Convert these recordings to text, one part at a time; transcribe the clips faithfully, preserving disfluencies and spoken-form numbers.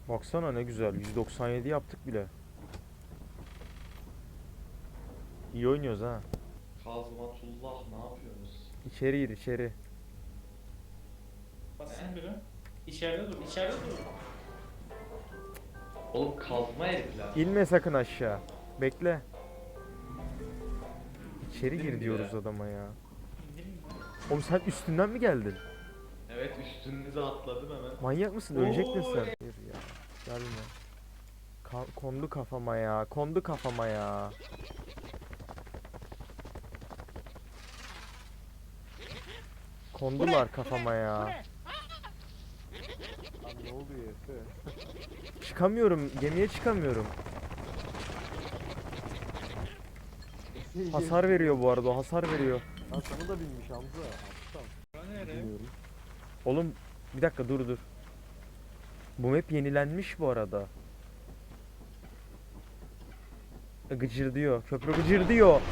Baksana ne güzel. yüz doksan yedi yaptık bile. İyi oynuyoruz ha. Kazmatullah ne yapıyorsunuz? İçeri gir içeri. Basın biri. İçeride dur, içeride dur. Oğlum kazma herifler. İnme sakın aşağı. Bekle. İçeri İndim gir bile. diyoruz adama ya. İndim mi? Oğlum sen üstünden mi geldin? Evet üstünüze atladım hemen. Manyak mısın? Ölecek misin Oo, sen? Hayır ya. Gelme. Ka- kondu kafama ya. Kondu kafama ya. Kondular kafama ya. Abi ne oluyor Efe? Çıkamıyorum. Gemiye çıkamıyorum. Efe'yi Hasar gezdim. veriyor bu arada. O hasar veriyor. Lan sana da binmiş Hamza. Aptal. Bura nere? Bilmiyorum. Oğlum bir dakika dur dur. Bu map yenilenmiş bu arada. E, Gıcırdıyor. Köprü gıcırdıyor. Ya.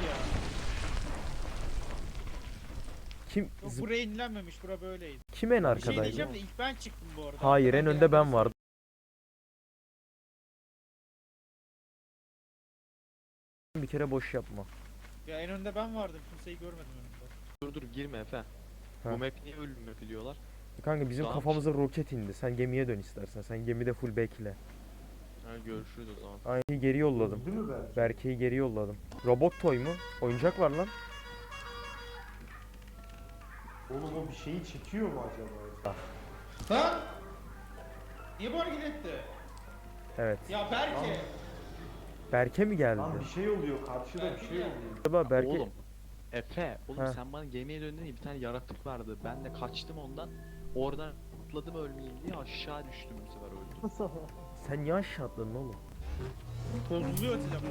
Kim Yok zıp- buraya inilenmemiş, bura böyleydi. kim en Bir şey arkadaydı? diyeceğim de ilk ben çıktım bu arada. Hayır, en Arkadan önde ben gelenleri vardım. Bir kere boş yapma. Ya en önde ben vardım, kimseyi görmedim önümde. Dur dur girme Efe. Ha. Bu map niye ölüm map diyorlar? Kanka bizim Tamam. kafamıza roket indi. Sen gemiye dön istersen. Sen gemide full bekle. Ha görüşürüz o zaman. Aynı geri yolladım. Değil mi belki? Berke'yi geri yolladım. Robot toy mu? Oyuncak var lan. Oğlum o bir şeyi çekiyor mu acaba? Lan! Niye bu hareket etti? Evet. Ya Berke! Berke mi geldi? Lan bir şey oluyor. Karşıda bir şey oluyor. Acaba Berke... Oğlum. Efe, oğlum Ha. sen bana gemiye döndün ya bir tane yaratık vardı. Ben de kaçtım ondan. Oradan atladım ölmeyeyim diye aşağı düştüm bu sefer öldüm. Sen niye aşağı atladın oğlum? Bozuluyor telefon.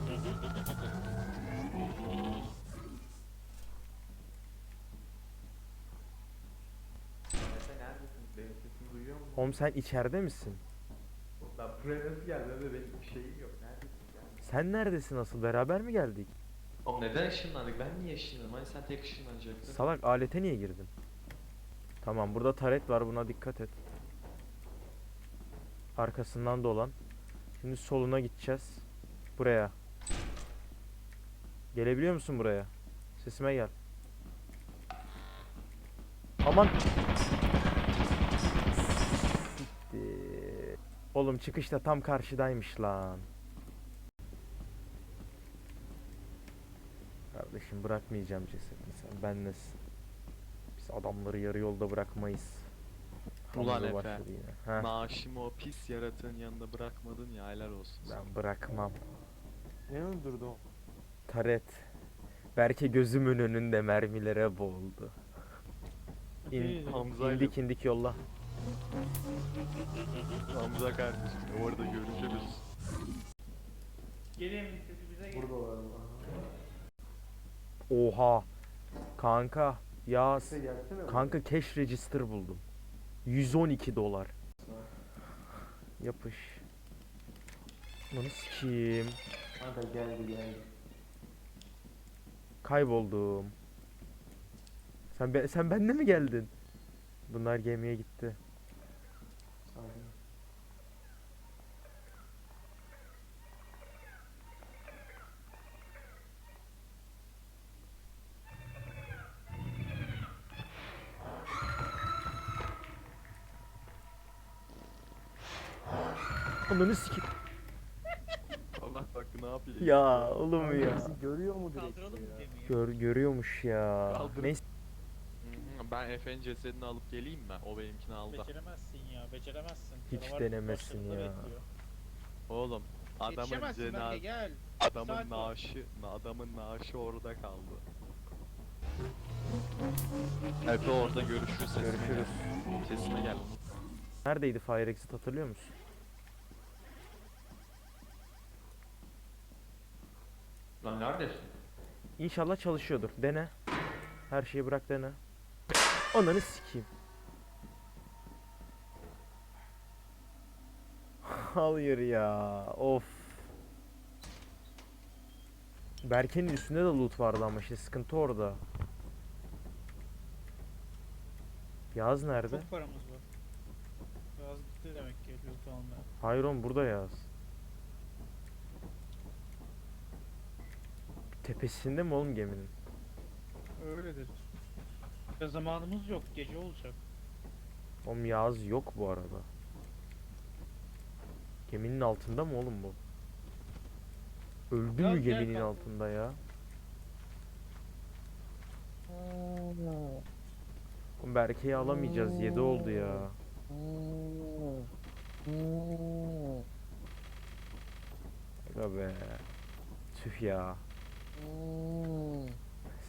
Efe neredesin? Benim sesimi duyuyor musun? Oğlum sen içeride misin? Ben buraya nasıl geldim ve benim bir şeyim yok. Neredesin yani? Sen neredesin asıl? Beraber mi geldik? Oğlum neden ışınlandık? Ben niye ışınlandım? Hani sen tek ışınlanacaktın. Salak alete niye girdin? Tamam burada taret var, buna dikkat et. Arkasından dolan. Şimdi soluna gideceğiz. Buraya. Gelebiliyor musun buraya? Sesime gel. Aman. Siktir. Oğlum çıkışta tam karşıdaymış lan. Kardeşim bırakmayacağım cesedini, sen benlesin. Biz adamları yarı yolda bırakmayız. Ulan Hamza Efe. başladı yine. Heh, Naaşımı o pis yaratığın yanında bırakmadın ya helal olsun sana. ben bırakmam. Ne öldürdü o? Taret. Berke gözümün önünde mermilere boğuldu. İn, Hamza'yla- indik indik yolla. Hamza kardeşim orada görüşürüz. Gelin sesi bize gel. Buradalar mı? Oha. Kanka ya Efe gelsene. kanka cash register buldum. yüz on iki dolar. Yapış. Bunu sikeyim. Kanka geldi geldi. Kayboldum. Sen be- sen bende mi geldin? Bunlar gemiye gitti. Aynen. Ananı sikeyim. Allah bak ne yapayım. Ya oğlum Kanka ya. bizi görüyor mu direkt Kaldıralım mı ya? gemiyi? Gör, görüyormuş ya. Kaldır. Neyse. Hı hı, Ben Efe'nin cesedini alıp geleyim mi? O benimkini aldı. Beceremezsin ya, beceremezsin. Hiç Canavar denemesin başlarında ya. bekliyor. Oğlum adamın Yetişemezsin Berke, cenaze gel. Saat adamın var. naaşı adamın naaşı orada kaldı. Efe orada görüşürüz sesime Görüşürüz. gel. Sesime gel. Neredeydi Fire Exit, hatırlıyor musun? Lan neredesin? İnşallah çalışıyordur. Dene. Her şeyi bırak dene. Ananı sikeyim. Hayır ya. Of. Berke'nin üstünde de loot vardı ama işte sıkıntı orada. Yaz nerede? Çok paramız var. Yaz gitti demek ki Lütfü almaya. Hayır oğlum burada yaz. Tepesinde mi oğlum geminin? Öyledir. Ya zamanımız yok. Gece olacak. Oğlum yaz yok bu arada. Geminin altında mı oğlum bu? Öldü Yaz mü gel geminin kanka. altında ya? Oğlum Berke'yi alamayacağız. yedi oldu ya. Aga be. Tüh ya.